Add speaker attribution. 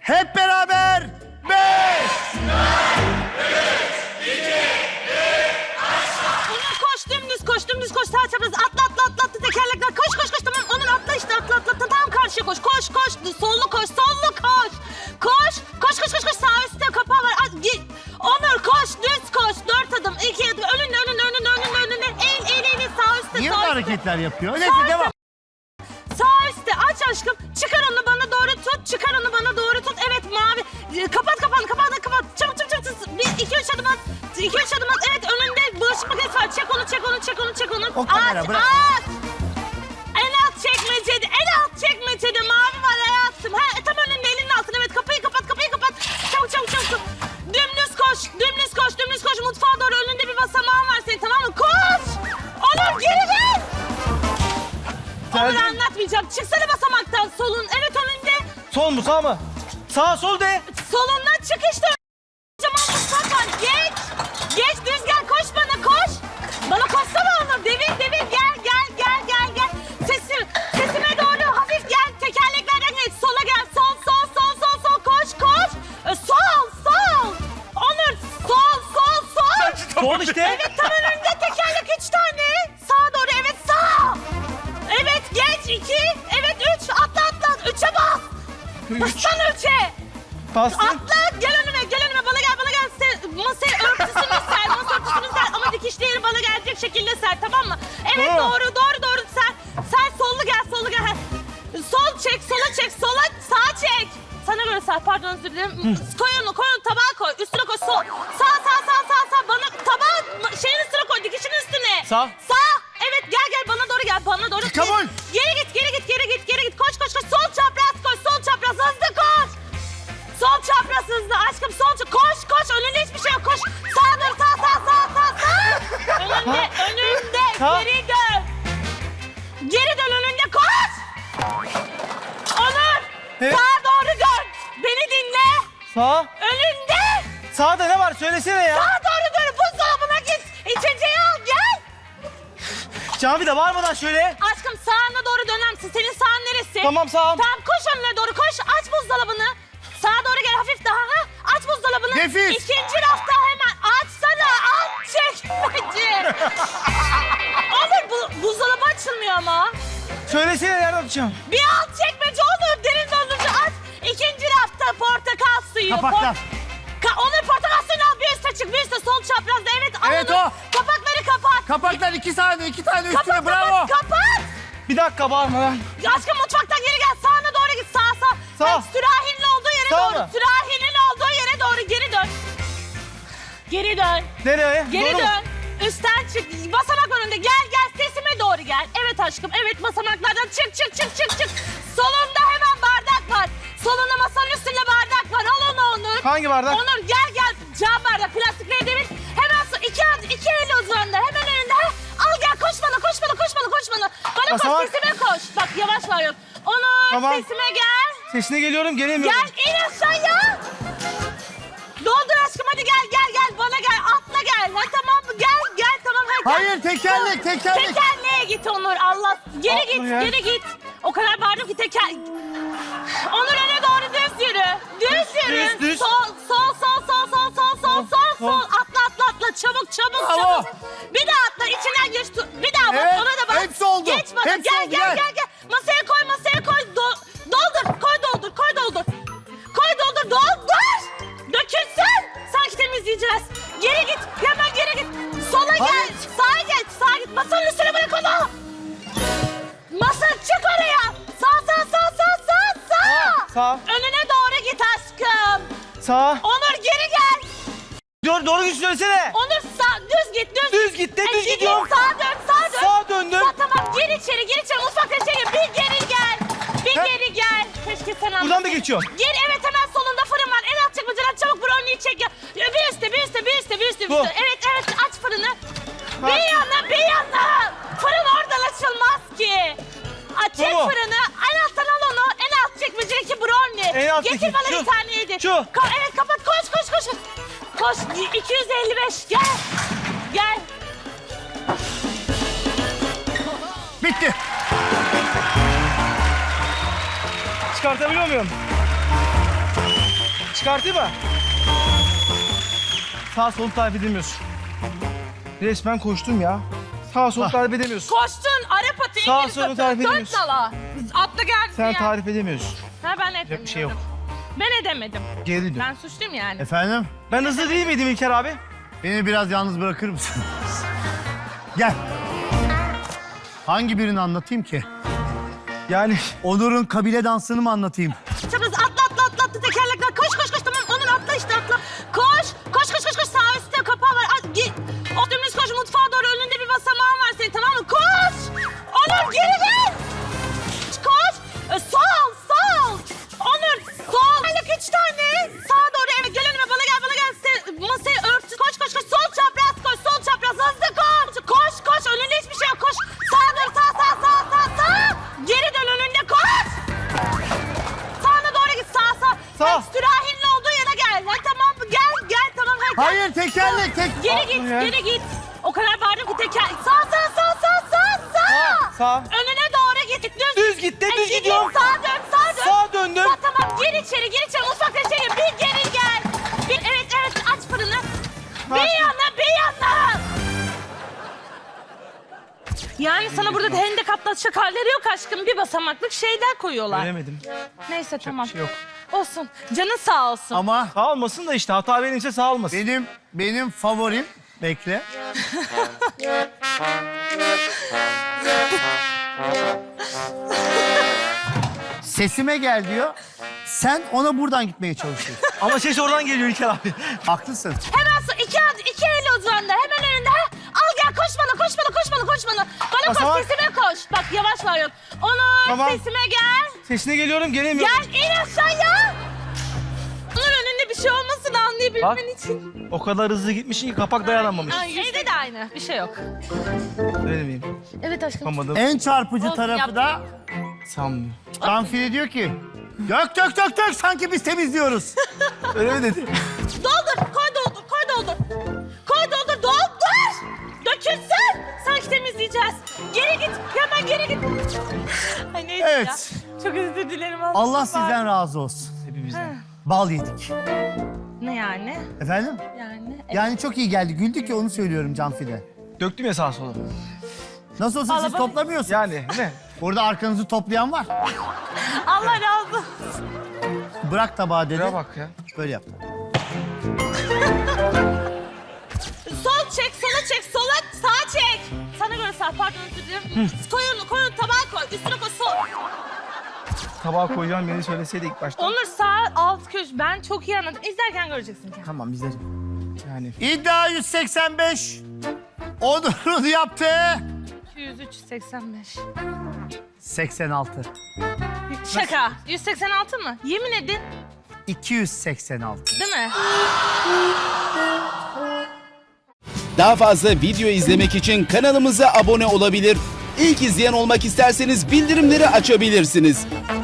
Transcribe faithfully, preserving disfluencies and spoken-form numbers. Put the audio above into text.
Speaker 1: Hep beraber. Beş.
Speaker 2: Onur koş, dümdüz koş, dümdüz koş. Sağ çapraz atla atla atla atla tekerlekler. Koş koş koş tamam. Onur atla işte atla atla atla. Tam karşıya koş. Koş koş. Sollu koş, sollu koş. Koş. Koş koş koş koş. Sağ üstte kapağı var. At, git. Onur koş, düz koş. Dört adım, iki adım. Önünde önünde önünde önünde önünde. Eğil eğil eğil. Sağ üstte
Speaker 1: Niye
Speaker 2: sağ
Speaker 1: böyle
Speaker 2: üstte.
Speaker 1: hareketler yapıyor? Neyse
Speaker 2: Sağ
Speaker 1: devam.
Speaker 2: üstte. Sağ üstte aç aşkım. Çıkar onu bana doğru tut. Çıkar onu bana doğru tut. Evet mavi. Ee, Kapat kapağını kapat kapat. Çabuk çabuk çabuk. Bir iki üç adım at. İki üç adım at. Evet önünde bulaşık makinesi var. Çek onu çek onu çek onu çek onu.
Speaker 1: O kamera,
Speaker 2: Aç
Speaker 1: bırak.
Speaker 2: aç. En alt çekmecede. En alt çekmecede mavi var hayatım. Ha, tam önünde elinin altında. Evet kapıyı kapat kapıyı kapat. Çabuk çabuk çabuk. Dümdüz koş. Dümdüz koş. Dümdüz koş. Mutfağa doğru önünde bir basamağın var senin tamam mı? Koş. Onur geri gel. Onur
Speaker 3: Geldim.
Speaker 2: anlatmayacağım. Çıksana basamaktan solun. Evet önünde.
Speaker 3: Sol mu sağ mı? Sağ sol de.
Speaker 2: Solundan çık işte. Kocaman mutfak var. Geç. Geç düz gel. Koş bana koş. Bana koşsana Onur. Devir devir gel gel gel gel gel. Sesim, sesime doğru hafif gel. Tekerleklerden geç. Sola gel. Sol sol sol sol sol. Koş koş. E, sol sol. Onur sol sol sol.
Speaker 3: Sol işte.
Speaker 2: Evet tam önünde tekerlek üç tane. Sağa doğru evet sağ. Evet geç iki. Evet üç. Atla atla. Üçe bas.
Speaker 3: Üç.
Speaker 2: Bassana üçe.
Speaker 3: Bastım.
Speaker 2: Atla gel önüme gel önüme bana gel bana gel. Se, masaya örtüsünü ser masa örtüsünü ser ama dikişli yeri bana gelecek şekilde ser tamam mı? Evet
Speaker 3: Tamam.
Speaker 2: doğru doğru doğru ser. Ser sollu gel sollu gel. Sol çek sola çek sola sağa çek. Sana göre ser pardon özür dilerim. Koy onu koy onu tabağa koy üstüne koy sol. Sağ sağ sağ sağ sağ bana tabağı şeyin üstüne koy dikişin üstüne.
Speaker 3: Sağ.
Speaker 2: Sağ. Evet gel gel bana doğru gel bana doğru.
Speaker 1: Kabul.
Speaker 2: Geri git geri git geri git geri git koş koş koş sol çapraz koş sol çapraz hızlı koş. Sol çapraz hızlı aşkım sol çapraz. Koş koş önünde hiçbir şey yok koş. Sağa dön sağ sağ sağ sağ sağ. Önünde önünde
Speaker 3: Sağ.
Speaker 2: geri dön. Geri dön önünde koş. Onur
Speaker 3: Evet.
Speaker 2: sağa doğru dön. Beni dinle.
Speaker 3: Sağ.
Speaker 2: Önünde.
Speaker 3: Sağda ne var söylesene ya.
Speaker 2: Sağa doğru dön buzdolabına git. İçeceği al gel.
Speaker 3: Cami de bağırmadan şöyle.
Speaker 2: Aşkım sağına doğru döner misin? Senin sağın neresi?
Speaker 3: Tamam sağım.
Speaker 2: Tamam koş önüne doğru koş. Aç buzdolabını. Sağa doğru gel hafif daha. Ha? Aç buzdolabını.
Speaker 1: Nefis.
Speaker 2: İkinci rafta hemen açsana. Aç çekmece. Olur bu buzdolabı açılmıyor ama.
Speaker 3: Söylesene nerede atacağım.
Speaker 2: Bir alt çekmece olur. Derin dondurucu aç. İkinci rafta portakal suyu.
Speaker 1: Kapaklar.
Speaker 2: Ka Onur portakal suyunu al. Bir üste çık. Bir üste sol çaprazda. Evet al
Speaker 1: Evet,
Speaker 2: onu.
Speaker 1: o.
Speaker 2: Kapakları kapat.
Speaker 1: Kapaklar iki tane iki tane üstüne
Speaker 2: Kapat
Speaker 1: bravo.
Speaker 2: kapat kapat.
Speaker 3: Bir dakika bağırmadan.
Speaker 2: Ya aşkım mutfaktan geri gel. Sağına doğru git. Sağ sağ.
Speaker 3: Sağ.
Speaker 2: Bak, sürahinin olduğu yere
Speaker 3: Sağ
Speaker 2: doğru.
Speaker 3: mı?
Speaker 2: Sürahinin olduğu yere doğru geri dön. Geri dön.
Speaker 3: Nereye?
Speaker 2: Geri
Speaker 3: Doğru mu?
Speaker 2: dön. Üstten çık. Basamak önünde. Gel gel sesime doğru gel. Evet aşkım. Evet basamaklardan çık çık çık çık çık. Solunda hemen bardak var. Solunda masanın üstünde bardak var. Al onu Onur.
Speaker 3: Hangi bardak?
Speaker 2: Onur gel gel. Cam bardak. Plastikleri devir. Hemen so iki, ad- iki el uzanında. Hemen önünde. Ha? Al gel koş bana koş bana koş bana koş bana. Bana
Speaker 3: Basamak.
Speaker 2: koş sesime koş. Bak yavaş var yok. Onur
Speaker 3: Tamam.
Speaker 2: sesime gel.
Speaker 3: Sesine geliyorum gelemiyorum.
Speaker 2: Gel in aşağıya. Doldur aşkım hadi gel gel gel bana gel atla gel. Ha tamam mı gel gel tamam hadi. gel.
Speaker 1: Hayır, tekerlek, tekerlek.
Speaker 2: Tekerleğe git Onur Allah. Geri
Speaker 3: Atla
Speaker 2: git
Speaker 3: ya.
Speaker 2: geri git. O kadar bağırdım ki teker. Onur öne doğru düz yürü. Düz yürü.
Speaker 3: Düz, düz.
Speaker 2: Sol sol sol sol sol sol sol sol
Speaker 3: sol.
Speaker 2: sol. Atla atla atla çabuk çabuk
Speaker 1: Bravo.
Speaker 2: çabuk. Bir daha atla içinden geç. tu- Bir daha bak
Speaker 1: Evet,
Speaker 2: ona da bak.
Speaker 1: hepsi oldu.
Speaker 2: Geç bana
Speaker 1: Hepsi
Speaker 2: gel
Speaker 1: oldu,
Speaker 2: gel
Speaker 1: gel.
Speaker 2: gel gel. Masaya koy masaya koy. Do- doldur koy doldur koy doldur. Koy doldur doldur. Dökülsün. Sanki temizleyeceğiz. Geri git. Hemen geri git. Sola gel.
Speaker 1: Hayır.
Speaker 2: Sağa geç. Sağa git. Masanın üstüne bırak onu. Masa çık oraya. Sağ sağ sağ sağ sağ sağ.
Speaker 3: Sağ.
Speaker 2: Önüne doğru git aşkım.
Speaker 3: Sağ.
Speaker 2: Onur geri gel.
Speaker 3: Doğru, doğru git söylesene.
Speaker 2: Onur sağ düz git düz.
Speaker 3: Düz git de
Speaker 2: E,
Speaker 3: düz
Speaker 2: gideyim,
Speaker 3: gidiyorum.
Speaker 2: Sağa dön sağa dön.
Speaker 3: Sağa döndüm.
Speaker 2: Sağ, tamam gir içeri gir içeri. Mutfakta şey gel. Bir geri gel. Bir
Speaker 3: He?
Speaker 2: geri gel. Keşke sen anlasaydın.
Speaker 3: Buradan da geçiyorum.
Speaker 2: Gir evet hemen solunda fırın var. En alt çekmeceden çabuk brownie'yi çek ya. Bir üstte bir üstte bir üstte bir üstte. bir
Speaker 3: Bu.
Speaker 2: üstte. Evet evet aç fırını.
Speaker 3: Bak.
Speaker 2: Bir yana bir yana. Fırın oradan açılmaz ki. Aç çek
Speaker 3: Bu mu?
Speaker 2: fırını. En alttan al onu. En alt çekmecedeki brownie.
Speaker 3: En alttaki,
Speaker 2: Getir bana
Speaker 3: şu.
Speaker 2: bir tane yedi.
Speaker 3: Şu.
Speaker 2: Ka- evet kapat koş koş koş. Koş iki yüz elli beş gel. Gel.
Speaker 1: Bitti.
Speaker 3: Çıkartabiliyor muyum? Çıkartayım mı? Sağ solu tarif edemiyorsun. Resmen koştum ya. Sağ solu tarif edemiyorsun.
Speaker 2: Koştun, Arap atı,
Speaker 3: Sağ
Speaker 2: İngiliz
Speaker 3: solu
Speaker 2: atı,
Speaker 3: tarif
Speaker 2: dört
Speaker 3: edemiyorsun.
Speaker 2: nala. Atla geldi
Speaker 3: Sen
Speaker 2: ya.
Speaker 3: tarif edemiyorsun.
Speaker 2: Ha ben edemiyorum.
Speaker 3: bir şey yok.
Speaker 2: Ben edemedim.
Speaker 3: Geri dön.
Speaker 2: Ben suçluyum yani.
Speaker 1: Efendim?
Speaker 3: Ben hızlı değil miydim İlker abi?
Speaker 1: Beni biraz yalnız bırakır mısın? Gel. Hangi birini anlatayım ki?
Speaker 3: Yani
Speaker 1: Onur'un kabile dansını mı anlatayım?
Speaker 2: Çabuk atla atla atla atla tekerlekler. Koş koş koş tamam Onur atla işte atla. Koş koş koş koş koş sağ üstte kapağı var. At, git. O dümdüz koş mutfağa doğru önünde bir basamağın var senin tamam mı? Koş. Onur geri gel. Koş. E, sol sol. Onur sol. Tekerlek üç tane. Sağa doğru evet gel önüme bana gel bana gel. Se- masayı ört. Koş koş koş sol çapraz koş sol çapraz hızlı koş. Koş koş önünde hiçbir şey yok koş. Sağa doğru sağ sağ sağ sağ sağ. Geri dön önünde koş. Sağına doğru git sağ sağ.
Speaker 3: Sağ.
Speaker 2: Bak, sürahinin olduğu yana gel. Ha, tamam mı? Gel gel tamam hadi. gel.
Speaker 1: Hayır tekerlek tek...
Speaker 2: Geri
Speaker 3: Aa,
Speaker 2: git
Speaker 3: ya.
Speaker 2: geri git. O kadar bağırdım ki teker. Sağ sağ sağ sağ sağ sağ.
Speaker 3: sağ.
Speaker 2: Önüne doğru git. Düz,
Speaker 3: Düz git de,
Speaker 2: Ay,
Speaker 3: düz
Speaker 2: git,
Speaker 3: gidiyorum.
Speaker 2: Sağa dön sağa dön.
Speaker 3: Sağa döndüm.
Speaker 2: Sağ, tamam gir içeri gir içeri. Mutfakta şey gir. Bir geri gel. Bir, evet evet aç fırını. Bir
Speaker 3: Açtım.
Speaker 2: yana bir yana. Yani sana burada hendek atlatacak halleri yok aşkım. Bir basamaklık şeyler koyuyorlar.
Speaker 3: Göremedim.
Speaker 2: Neyse tamam.
Speaker 3: Bir şey yok.
Speaker 2: Olsun. Canın sağ olsun.
Speaker 1: Ama
Speaker 3: Sağ olmasın da işte hata benimse sağ olmasın.
Speaker 1: benim benim favorim... Bekle. Sesime gel diyor. Sen ona buradan gitmeye çalışıyorsun.
Speaker 3: Ama ses oradan geliyor İlker abi.
Speaker 1: Haklısın.
Speaker 2: Hemen su, iki, ad- iki el uzandı. Hemen önünde. Ha? Al gel koş bana, koş bana, koş bana, koş bana. Bana
Speaker 3: Basamak.
Speaker 2: koş, sesime koş. Bak yavaş var yok. Onur,
Speaker 3: Tamam.
Speaker 2: sesime gel.
Speaker 3: Sesine geliyorum gelemiyorum.
Speaker 2: Gel in aşağıya. Onur önünde bir şey olmasın anlayabilmen
Speaker 3: Bak.
Speaker 2: için.
Speaker 3: O kadar hızlı gitmişsin ki kapak dayanamamış.
Speaker 2: Ay, evde de aynı. Bir şey yok.
Speaker 3: Öyle miyim?
Speaker 2: Evet aşkım.
Speaker 3: Yapamadım.
Speaker 1: En çarpıcı
Speaker 2: Olsun,
Speaker 1: tarafı da
Speaker 3: Sanmıyorum.
Speaker 1: Canfile diyor ki... Dök dök dök dök sanki biz temizliyoruz.
Speaker 3: Öyle mi dedi?
Speaker 2: Doldur, koy doldur, koy doldur. Koy doldur, doldur. Dökülsün. Sanki temizleyeceğiz. Geri git, hemen geri git. Ay neyse
Speaker 1: Evet.
Speaker 2: ya. Çok özür dilerim.
Speaker 1: Allah sizden razı olsun.
Speaker 3: Hepimizden.
Speaker 1: Bal yedik.
Speaker 2: Ne yani?
Speaker 1: Efendim?
Speaker 2: Yani.
Speaker 1: Yani çok iyi geldi. Güldük ya onu söylüyorum Canfile.
Speaker 3: Döktüm ya sağa sola.
Speaker 1: Nasıl olsa siz
Speaker 2: Vallahi-
Speaker 1: toplamıyorsunuz.
Speaker 3: Yani ne?
Speaker 1: Burada arkanızı toplayan var.
Speaker 2: Allah razı olsun.
Speaker 1: Bırak tabağı dedi.
Speaker 3: Şuraya bak ya.
Speaker 1: Böyle yaptı.
Speaker 2: Sol çek, sola çek, sola sağa çek. Sana göre sağ, pardon özür dilerim. koy onu, koy onu, tabağa koy. Üstüne koy, sol.
Speaker 3: Tabağa koyacağım beni söyleseydi ilk başta.
Speaker 2: Onur sağ alt köşe. Ben çok iyi anladım. İzlerken göreceksin ki.
Speaker 3: Tamam izlerim. Yani
Speaker 1: İddia yüz seksen beş. Onur'un yaptığı
Speaker 2: iki yüz üç, seksen beş.
Speaker 1: seksen altı.
Speaker 2: Şaka. yüz seksen altı mı? Yemin edin.
Speaker 1: iki yüz seksen altı.
Speaker 2: Değil mi?
Speaker 4: Daha fazla video izlemek için kanalımıza abone olabilir. İlk izleyen olmak isterseniz bildirimleri açabilirsiniz.